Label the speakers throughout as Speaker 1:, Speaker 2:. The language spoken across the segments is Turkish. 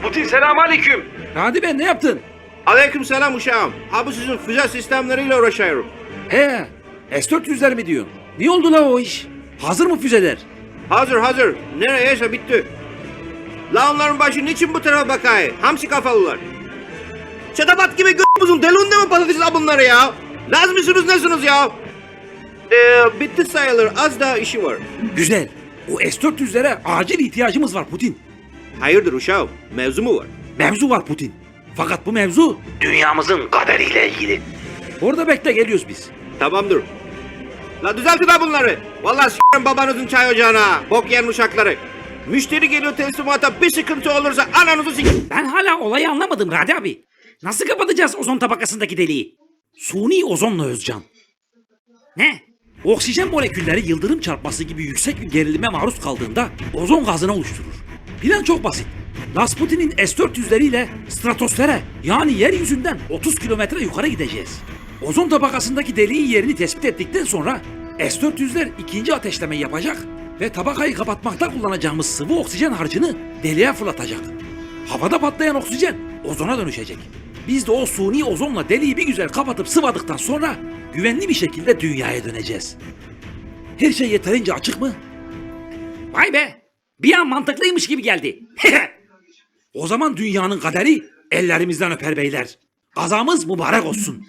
Speaker 1: Putin selamünaleyküm.
Speaker 2: Hadi ben ne yaptın?
Speaker 3: Aleykümselam uşağım. Abi sizin füze sistemleriyle uğraşıyorum.
Speaker 2: He, S-400'ler mi diyorsun? Ne oldu la o iş? Hazır mı füzeler?
Speaker 3: Hazır. Nereyse bitti. La onların başı niçin bu tarafa bakay? Hamsi kafalılar. Çatapat gibi g***muzun delunde mi patates bunları ya? Laz mısınız nesiniz ya? Bitti sayılır. Az daha işi var.
Speaker 2: Güzel. O S-400'lere acil ihtiyacımız var Putin.
Speaker 3: Hayırdır uşağım? Mevzu mu var?
Speaker 2: Mevzu var Putin. Fakat bu mevzu dünyamızın kaderiyle ilgili. Orada bekle, geliyoruz biz.
Speaker 3: Tamamdır. La düzeltin ha bunları. Vallahi s***rim babanızın çay ocağına. Bok yiyen uşakları. Müşteri geliyor teslimata, bir sıkıntı olursa ananızı s***.
Speaker 2: Ben hala olayı anlamadım Radi abi. Nasıl kapatacağız ozon tabakasındaki deliği? Suni ozonla Özcan. Ne? Oksijen molekülleri yıldırım çarpması gibi yüksek bir gerilime maruz kaldığında ozon gazını oluşturur. Plan çok basit. Rasputin'in S-400'leriyle stratosfere, yani yeryüzünden 30 kilometre yukarı gideceğiz. Ozon tabakasındaki deliğin yerini tespit ettikten sonra S-400'ler ikinci ateşlemeyi yapacak ve tabakayı kapatmakta kullanacağımız sıvı oksijen harcını deliğe fırlatacak. Havada patlayan oksijen ozona dönüşecek. Biz de o suni ozonla deliği bir güzel kapatıp sıvadıktan sonra güvenli bir şekilde dünyaya döneceğiz. Her şey yeterince açık mı? Vay be! Bir an mantıklıymış gibi geldi. O zaman dünyanın kaderi ellerimizden öper beyler. Kazamız mübarek olsun.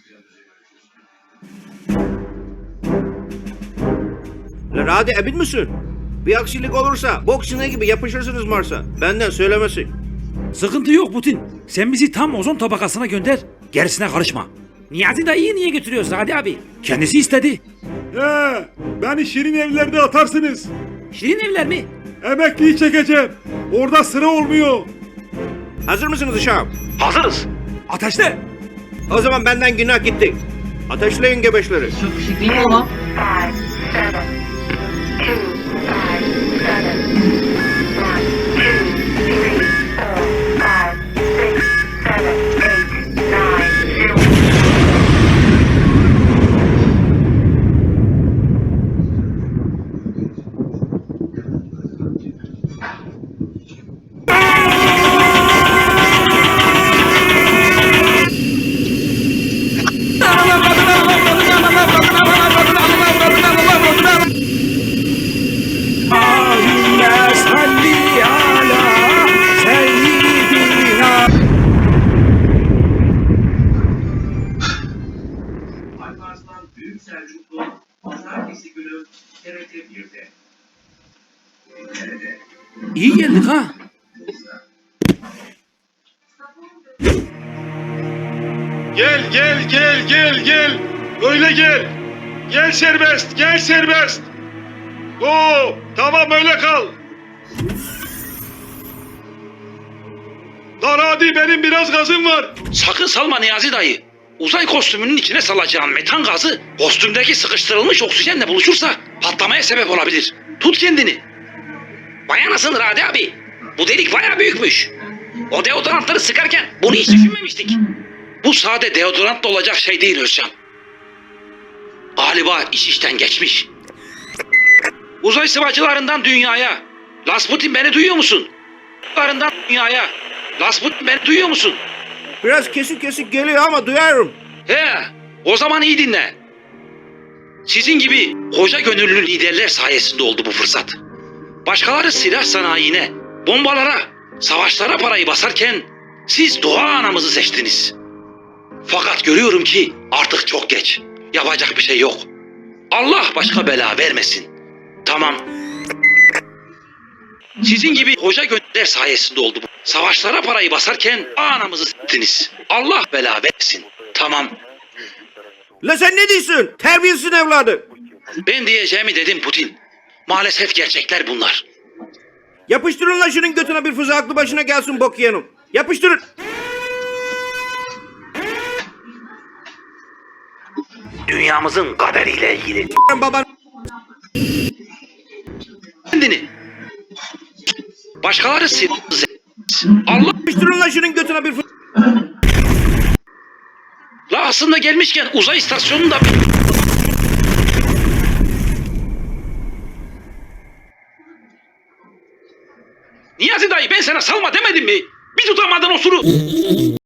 Speaker 3: La Radi emin misin? Bir aksilik olursa bok sineği gibi yapışırsınız Mars'a. Benden söylemesi.
Speaker 2: Sıkıntı yok Putin. Sen bizi tam ozon tabakasına gönder. Gerisine karışma. Niyazi dayıyı niye götürüyorsun Hadi abi? Kendisi istedi.
Speaker 4: Beni Şirin evlerde atarsınız.
Speaker 2: Şirin evler mi?
Speaker 4: Emekliyi çekeceğim. Orada sıra olmuyor.
Speaker 3: Hazır mısınız uşağım?
Speaker 1: Hazırız.
Speaker 2: Ateşle.
Speaker 3: O zaman benden günah gitti. Ateşleyin gebeşleri.
Speaker 5: Çok küçük değil mi ama? 5. Alparslan Büyük Selçuklu Pazartesi günü TRT1'de. Nerede?
Speaker 2: İyi geldik ha.
Speaker 4: Gel. Öyle gel. Gel serbest. Oo, tamam öyle kal. Lan hadi benim biraz gazım var.
Speaker 6: Sakın salma Niyazi dayı. Uzay kostümünün içine salacağın metan gazı kostümdeki sıkıştırılmış oksijenle buluşursa patlamaya sebep olabilir. Tut kendini. Vay anasını Radi abi. Bu delik bayağı büyükmüş. O deodorantları sıkarken bunu hiç düşünmemiştik. Bu sade deodorantla olacak şey değil Özcan. Galiba iş işten geçmiş. Uzay sıvacılarından dünyaya. Rasputin beni duyuyor musun? Sıvacılarından dünyaya. Rasputin beni duyuyor musun?
Speaker 3: Biraz kesik geliyor ama duyarım.
Speaker 6: He, o zaman iyi dinle. Sizin gibi koca gönüllü liderler sayesinde oldu bu fırsat. Başkaları silah sanayine, bombalara, savaşlara parayı basarken siz doğa anamızı seçtiniz. Fakat görüyorum ki artık çok geç. Yapacak bir şey yok. Allah başka bela vermesin. Tamam. Sizin gibi koca gönüllüler sayesinde oldu bu. Savaşlara parayı basarken anamızı s**tiniz. Allah bela versin. Tamam.
Speaker 3: La sen ne diyorsun? Terbiyesiz evladı.
Speaker 6: Ben diyeceğimi dedim Putin. Maalesef gerçekler bunlar.
Speaker 3: Yapıştırın la şunun götüne bir füze aklı başına gelsin bok yiyenim. Yapıştırın.
Speaker 2: Dünyamızın kaderiyle ilgili.
Speaker 3: Baban.
Speaker 6: Kendini. Başkaları silah... Allah...
Speaker 3: Yapıştırın la şunun götüne bir füze.
Speaker 6: La aslında gelmişken uzay istasyonunda... Niyazi dayı ben sana salma demedim mi? Bir tutamadın osuru.